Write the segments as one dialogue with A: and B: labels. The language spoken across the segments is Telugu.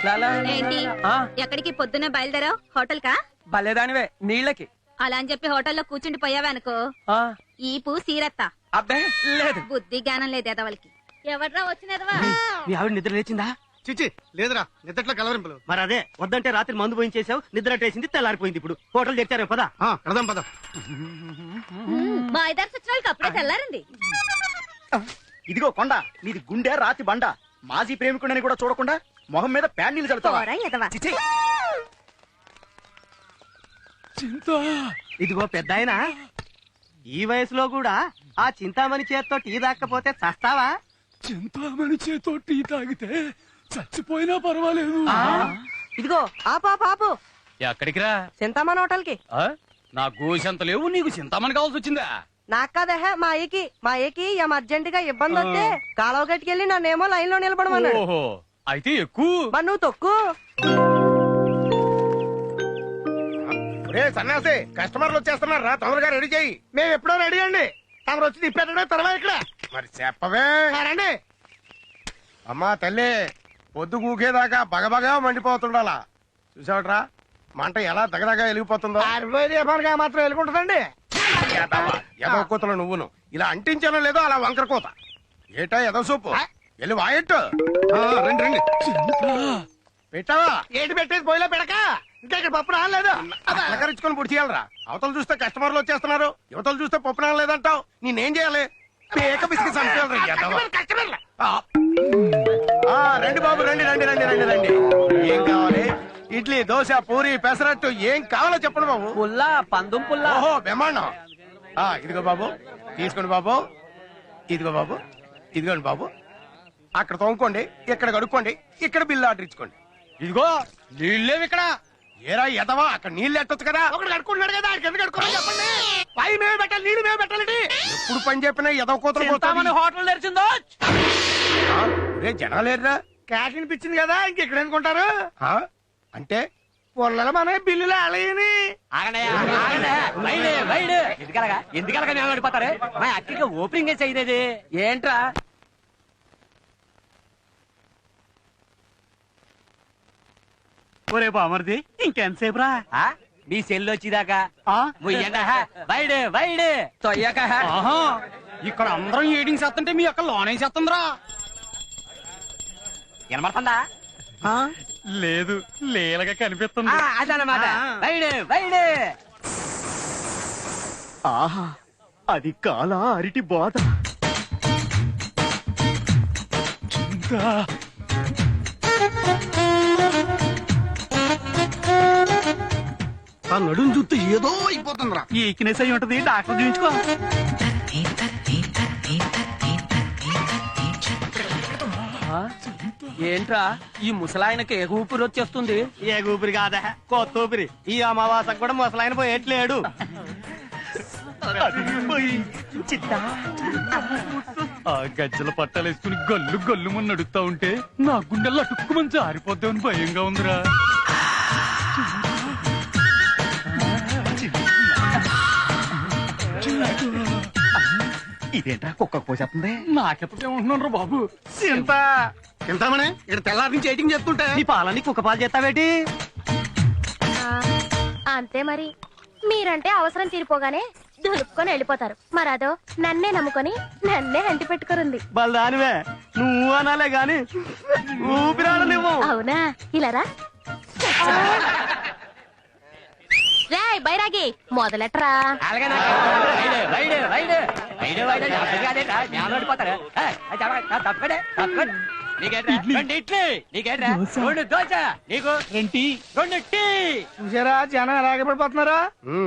A: ఏంటి ఎక్కడికి పొద్దున్నే బయలుదేరావు? హోటల్ కా?
B: భలేదానివే నీళ్ళకి.
A: అలా అని చెప్పి హోటల్లో కూర్చుండి పోయావనుకో ఈపు సీరత్తా.
B: అబ్బే లేదు.
A: బుద్ధి జ్ఞానం లేదు ఎదవలకి. ఎవడ్రా వచ్చినదవా?
B: మీ ఆవిడ నిద్ర లేచిందా?
C: చిచి లేదురా, నిద్రట్లో కలవరింపులు.
D: మరి అదే వద్దంటే రాత్రి మందు పోయించేసావు, నిద్ర అట్టేసింది, తెల్లారిపోయింది. ఇప్పుడు హోటల్ తెచ్చారే పదా.
C: కడదాం పద.
A: మా ఇద్దరు సచ్చినాళ్ళకి అప్పుడే తెల్లారండి.
D: ఇదిగో కొండ, నీది గుండె రాతి బండ. మాజీ ప్రేమికుడని కూడా చూడకుండా మొహం మీద ప్యాన్ నీళ్ళు చల్లుతావా? చిచి. ఇదిగో పెద్ద ఆయన, ఈ వయసులో కూడా ఆ చింతామణి చేత్తో టీ దాక్కపోతే చస్తావా?
E: చింతామణి చేతో టీ తాగితే చచ్చిపోయినా పర్వాలేదు.
B: ఇదిగో ఆపు.
E: ఎక్కడికి రా?
B: చింతామణి హోటల్ కి.
E: నా గోసెంత లేవు, నీకు చింతామణి కావాల్సి వచ్చిందా?
B: నాకు కాదహ మా ఏకి ఏం అర్జెంట్ గా ఇబ్బంది వస్తే కాలువ గట్టుకెళ్ళి నన్నేమో లైన్ లో నిలబడమన్నాడు.
E: ఓహో, అయితే ఎక్కువ.
B: మరి నువ్వు తొక్కు.
C: సన్నాసి, కస్టమర్లు వచ్చేస్తున్నారు రా, తొందరగా రెడీ చేయి. మేము ఎప్పుడో రెడీ అండి, తమరు వచ్చి తిప్పేటడే తర్వాత ఇక్కడ. మరి చెప్పవే. రండి అమ్మా తల్లి, పొద్దు కూకేదాకా బగబగా మండిపోతుండాలా. చూసావట్రా మంట ఎలా దగదగా వెలిగిపోతుందో. మాత్రం వెలుగుంటుందండి. ఎదవ కూతలు నువ్వును ఇలా అంటించానో లేదో అలా వంకర కూత. ఏటా ఎదవ సూపు వెళ్ళి వాయట్టు. రండి రండి. పెట్టావా? ఏంటి పెట్టేది పోయిలో పెడక. ఇంకా ఇక్కడ పప్పు రాలేదు. అలకరించుకొని పొడి చేయాలరా. అవతలు చూస్తే కస్టమర్లు వచ్చేస్తున్నారు, యువతలు చూస్తే పప్పు రాలేదంటావు. నేనేం చేయాలి? పేక బిస్కెట్ రండి బాబు, రండి రండి రండి రండి రండి. ఏం కావాలి? ఇడ్లీ, దోశ, పూరి, పెసరట్టు ఏం కావాలో చెప్పండి బాబు.
B: పుల్లా, పందుం పుల్లా.
C: ఓహో బ్రహ్మాండం. ఇదిగో బాబు, తీసుకోండి బాబు. ఇదిగో బాబు, ఇదిగోండి బాబు. అక్కడ తోముకోండి, ఇక్కడ కడుక్కోండి, ఇక్కడ బిల్లు ఆర్డర్ ఇచ్చుకోండి.
E: ఇదిగో నీళ్ళేవి ఇక్కడ.
C: ఏరా ఎదవా, అక్కడ నీళ్ళు ఎట్టొచ్చు కదా. ఒకటి కడుకుంటున్నాడు కదా, ఎందుకు కడుకోవాలి చెప్పండి. పై మేము పెట్టాలి, నీళ్ళు మేము పెట్టాలండి. ఎప్పుడు పని చెప్పినా ఎదవ కూతురు
B: హోటల్ తెరిచిందో.
C: రే జనాలేరా, క్యాష్ అనిపించింది కదా, ఇంకెక్కడ అనుకుంటారు. అంటే పొల్లల మన బిల్లులు అలయని.
B: ఎందుకలగా మేము పడిపోతారు. మా అక్కడికి ఓపెనింగ్ చేయలేదు ఏంట్రా?
D: ఒరే బామర్ది, ఇంకెంతసేపు రా?
B: మీ సెల్ వచ్చిదాకా తొయ్యక.
E: ఇక్కడ అందరం ఏడింగ్ చేస్తుంటే మీ అక్క లోనే చేస్తుందిరా.
B: వినమడుతుందా?
E: లేదు, లేలగా కనిపిస్తుంది.
B: అదనమాట.
D: ఆహా, అది కాల అరిటి బాధ.
C: ఆ నడుం చూస్తే ఏదో అయిపోతుందిరా.
D: ఈ ఈక్నెస్ అయి ఉంటది, డాక్టర్ చూపించుకో.
B: ఏంట్రా ఈ ముసలాయనకి ఏ ఊపిరి వచ్చేస్తుంది?
D: ఏ ఊపిరి కాదా, కొత్త ఊపిరి. ఈ అమావాసకు కూడా ముసలాయన పోయేట్లేడు.
E: ఆ గజ్జల పట్టాలేసుకుని గల్లు గల్లు మున్న నడుస్తా ఉంటే నా గుండెల్లో అటుక్కుమని జారిపోద్దామని భయంగా ఉందిరా.
D: ఇదేంటా కుక్క పోసేస్తుంది?
E: నాకెప్పుడేమంటున్నాను బాబు.
C: తింటామనే ఇక్కడ తెల్లారి నుంచి ఎయిటింగ్ చేస్తుంటే
D: నీ పాలని కుక్క పాలు చేస్తావేటి?
F: అంతే మరి. మీరంటే అవసరం తీరిపోగానే దులుపుకొని వెళ్ళిపోతారు. మరదో నన్నే నమ్ముకొని నన్నే అంటి పెట్టుకురుంది.
D: బలదానివే, నువ్వు అనాలే గాని ఊపిరాడలేవు.
F: అవునా? ఇలారా రేయ్ బైరాగి, మొదలెట్రా.
C: చూసారా జనం ఎలాగే పడిపోతున్నారా.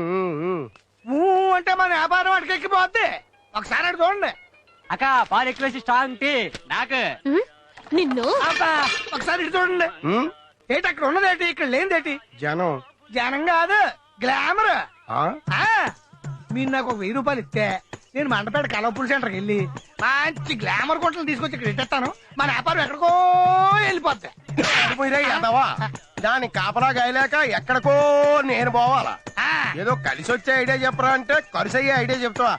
C: అంటే మన వ్యాపారం అటుకెక్కిపోద్ది. ఒకసారి అటు చూడండి.
B: అక్క పాలు ఎక్కువ స్ట్రాంగ్ టీ నాకు.
F: నిన్ను
C: ఒకసారి ఇటు చూడండి. ఏంటి అక్కడ ఉన్నదేటి, ఇక్కడ లేనిదేటి? జనం. జనం కాదు, గ్లామర్. మీరు నాకు ఒక 1000 రూపాయలు ఇస్తే నేను మండపేట కలవపూల్ సెంటర్కి వెళ్ళి మంచి గ్లామర్ కొట్టలు తీసుకొచ్చి ఇక్కడ ఇట్టేస్తాను. మన వ్యాపారం ఎక్కడికో వెళ్ళిపోద్ది. దాని కాపలా గాయలేక ఎక్కడికో నేను పోవాలా? ఏదో కలిసి వచ్చే ఐడియా చెప్పరా అంటే ఖర్చు అయ్యే ఐడియా చెప్తావా?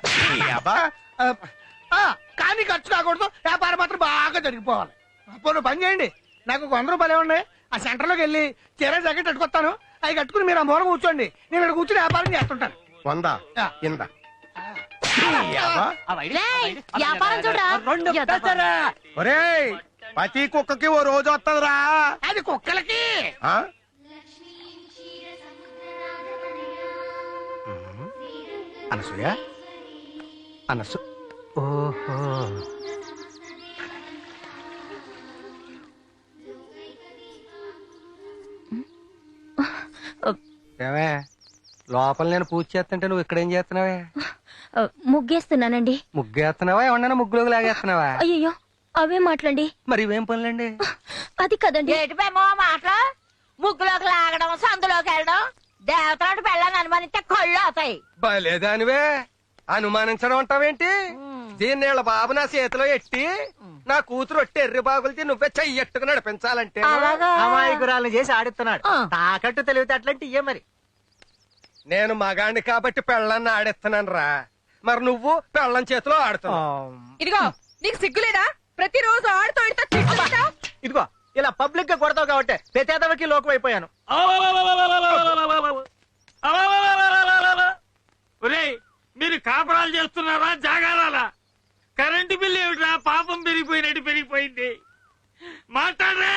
C: కానీ ఖర్చు కాకూడదు, వ్యాపారం మాత్రం బాగా జరిగిపోవాలి. అప్పుడు పని చేయండి, నాకు 100 రూపాయలు ఇవ్వండి, ఆ సెంటర్ లోకి వెళ్ళి చీర జాకెట్ కట్టుకొస్తాను. అవి కట్టుకుని మీరు ఆ మూల కూర్చోండి, నేను ఇక్కడ కూర్చుని వ్యాపారం చేస్తుంటాను. 100 ఇందా
F: వ్యాపారం చూడరా
C: ఒరేయ్, ప్రతి కుక్కకి ఓ రోజు వస్తుందిరా. అది కుక్కలకి. అనసూయ, అనసు ఓహో, ఏమే లోపల నేను పూజ చేస్తుంటే నువ్వు ఇక్కడేం చేస్తున్నావే?
F: ముగ్గేస్తున్నానండి.
C: ముగ్గేస్తున్నావా? ఏమన్నా ముగ్గులోకి లాగేస్తున్నావా?
F: అయ్యో అవే మాట్లాడండి.
C: మరి ఇవేం పనులండి?
F: అది కదండి.
A: ఏటిపేమో మాటలు, ముగ్గులోకి లాగడం, సందులోకి వెళ్ళడం, దేవతలాంటి పెళ్ళని అనుమానిస్తే కళ్ళు అవుతాయి.
C: బలేదానివే, అనుమానించడం అంటావేంటి? దీన్ని వీళ్ళ బాబు నా చేతిలో ఎట్టి నా కూతురు ఒట్టి ఎర్రి బాగులతో నువ్వే చెయ్యట్టుకు నడిపించాలంటే
D: అమాయకురాలను చేసి ఆడిస్తున్నాడు. తాకట్టు తెలివితే అట్లాంటి ఇయ్యే మరి.
C: నేను మగాణ్ణి కాబట్టి పెళ్ళాన్ని ఆడిస్తున్నాను రా, మరి నువ్వు పెళ్ళం చేతిలో ఆడుతున్నావు.
B: ఇదిగో నీకు సిగ్గులేదా? ప్రతిరోజు ఆడుతూ
D: ఇదిగో ఇలా పబ్లిక్ గా కొడతావు కాబట్టి ప్రతేదవకి లోకం అయిపోయాను.
E: ఒరేయ్, మీరు కాపురాలు చేస్తున్నారా జాగారాలా? కరెంటు బిల్లు ఏమిట్రా పాపం పెరిగిపోయినట్టు పెరిగిపోయింది. మాట్లాడరే.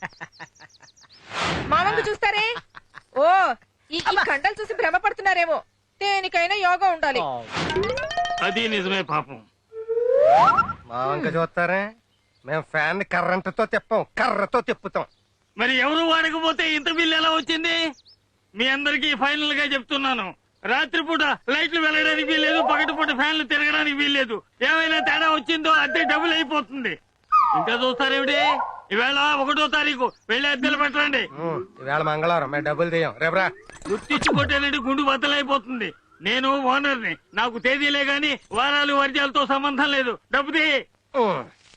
B: మామంగు చూస్తారే. ఓ ఈ కండలు చూసి భ్రమపడుతున్నారేమో. దేనికైనా యోగా ఉండాలి.
E: అది నిజమే పాపం.
C: మా వంక చూస్తారే, మేము ఫ్యాన్ కర్రంటతో తిప్పాం, కర్రతో తిప్పుతాం.
E: మరి ఎవరు వాడకపోతే ఇంత బిల్లు ఎలా వచ్చింది? మీ అందరికీ ఫైనల్ గా చెప్తున్నాను, రాత్రిపూట లైట్లు వెళ్ళడానికి వీల్లేదు, పగటిపూట ఫ్యాన్లు తిరగడానికి వీల్లేదు. ఏమైనా తేడా వచ్చిందో అద్దె డబుల్ అయిపోతుంది. ఇంకా చూస్తారేమిటి? ఈవేళ 1వ తారీఖు వెళ్ళి అద్దెలు పెట్టండి.
C: ఈవేళ మంగళవారం, మేము డబ్బులు తీయం. రేపరా
E: గుర్తించుకుంటేనండి గుండు బద్దలైపోతుంది. నేను ఓనర్ని, నాకు తేదీలే గాని వారాలు వర్జాలతో సంబంధం లేదు. డబ్బు తీ. 2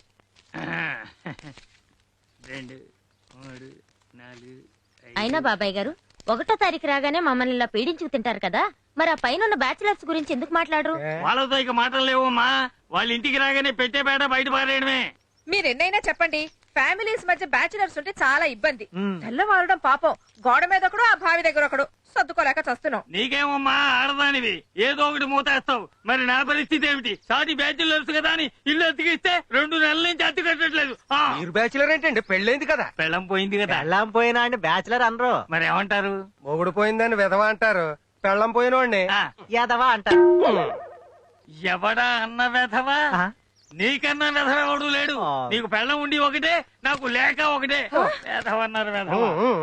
E: 3 4
F: అయినా బాబాయ్ గారు 1వ తారీఖు రాగానే మమ్మల్ని ఇలా పీడించుకు తింటారు కదా, మరి ఆ పైన బ్యాచిలర్స్ గురించి ఎందుకు మాట్లాడరు?
E: వాళ్ళతో ఇక మాటలు లేవమ్మా. వాళ్ళ ఇంటికి రాగానే పెట్టే బేట బయట పారేయడమే.
B: మీరెన్నైనా చెప్పండి, ఫ్యామిలీస్ మధ్య బ్యాచులర్స్ ఉంటే చాలా ఇబ్బంది. తెల్లవారడం పాపం, గోడ మీద ఒకడు, ఆ బావి దగ్గర ఒకడు, సర్దుకోలేక చస్తున్నాం.
E: నీకేమమ్మా, ఆడదానివి ఏదో ఒకటి మూతేస్తావు. మరి నా పరిస్థితి ఏమిటి? సాటి బ్యాచులర్స్ కదా అని ఇల్లు అతికిస్తే 2 నెలల నుంచి అతి కట్టట్లేదు.
C: మీరు బ్యాచులర్ ఏంటండి? పెళ్ళైంది కదా.
E: పెళ్ళం పోయింది కదా.
D: పెళ్ళాం పోయినా అని బ్యాచులర్ అనరు.
E: మరి ఏమంటారు?
C: మొగుడు పోయిందని విధవ అంటారు, పెళ్ళం పోయినోడిని
D: యాదవా అంటారు.
E: ఎవడా అన్న వెధవా? నీకన్నా వెధవ ఎవడు లేడు. నీకు పెళ్ళం ఉండి ఒకటే, నాకు లేక ఒకటే. వెధవ అన్నారు వెధవ.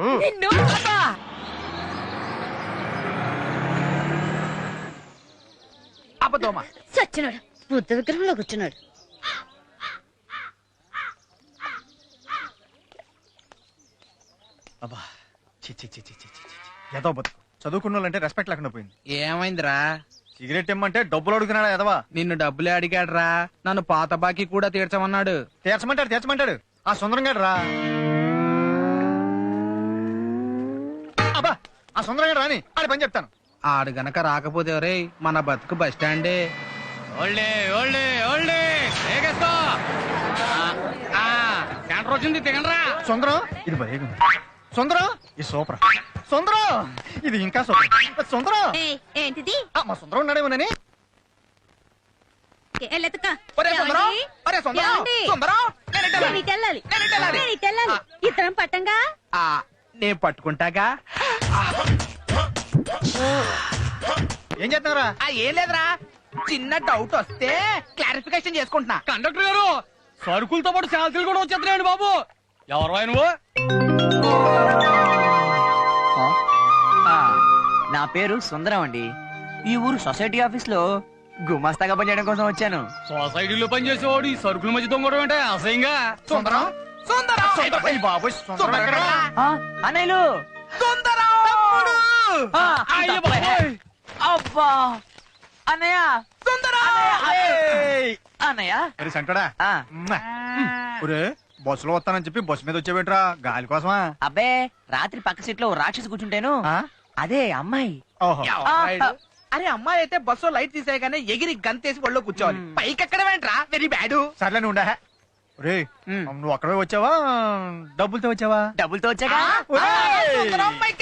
D: అబద్ధమా?
A: చచ్చినాడు, బుద్ధ విగ్రహంలో కూర్చున్నాడు.
D: అబ్బా ఏదో బతుకు. చదువుకున్న వాళ్ళంటే రెస్పెక్ట్ లేకుండా పోయింది.
G: ఏమైందిరా?
D: సిగరెట్ ఇమ్మంటే డబ్బులు అడుగుతున్నాడా ఎదవా?
G: నిన్ను డబ్బులే అడిగాడ్రా, నన్ను పాత బాకీ కూడా తీర్చమన్నాడు.
D: తీర్చమంటాడు. ఆ సుందరం గారు రా. అబ్బా, ఆ సుందరం గారు రాని ఆడి పని చెప్తాను.
G: ఆడు గనక రాకపోతే రే మన బతుకు బస్ స్టాండే. ఓల్డే ఓల్డే ఓల్డే ఏగేస్తా. సెంటర్ వచ్చింది, దిగండ్రా.
D: సుందరం, ఇది భలే సుందరం, ఇది సూపర్. సుందరం, ఇది ఇంకా సూపర్. సుందరం,
A: ఏంటిది?
D: మా సుందరం ఉన్నాడేమోనని.
A: ఇద్దరం పట్టంగా.
G: నేను పట్టుకుంటాగా.
D: ఏం చేస్తున్నారా?
G: ఏం లేదురా, చిన్న డౌట్ వస్తే క్లారిఫికేషన్ చేసుకుంటున్నా. కండక్టర్ గారు, సరుకులతో పాటు శాలరీలు కూడా వచ్చేస్తున్నాయండి బాబు. ఎవరు నువ్వు?
H: నా పేరు సుందరం అండి. ఈ ఊరు సొసైటీ ఆఫీస్ లో గుమాస్తాగా పనిచేయడం కోసం వచ్చాను.
G: సొసైటీలో పనిచేసేవాడు ఈ సరుకుల మధ్య దొంగడం అంటే అసహ్యంగా.
D: సుందరం,
H: అన్నయ్యలు, అబ్బా అన్నయ్య, అన్నయ్య.
D: సెంటడా బస్సులో వస్తానని చెప్పి బస్సు మీద వచ్చేవేట్రా? గాలి కోసమా?
H: అబ్బే, రాత్రి పక్క సీట్ లో రాక్షసి కూర్చుంటేను. అదే అమ్మాయి.
G: అరే అమ్మాయి అయితే బస్సు లైట్ తీసేయగానే ఎగిరి గంతేసి ఒళ్ళో కూర్చోవాలి. పైకి ఎక్కడ వెంట్రా? Very bad.
D: సర్లే ఉండా.
G: నువ్వు అక్కడే వచ్చావా డబ్బులతో వచ్చావా
H: డబ్బులతో వచ్చాక
G: ఒరేయ్!
E: సుందరం, my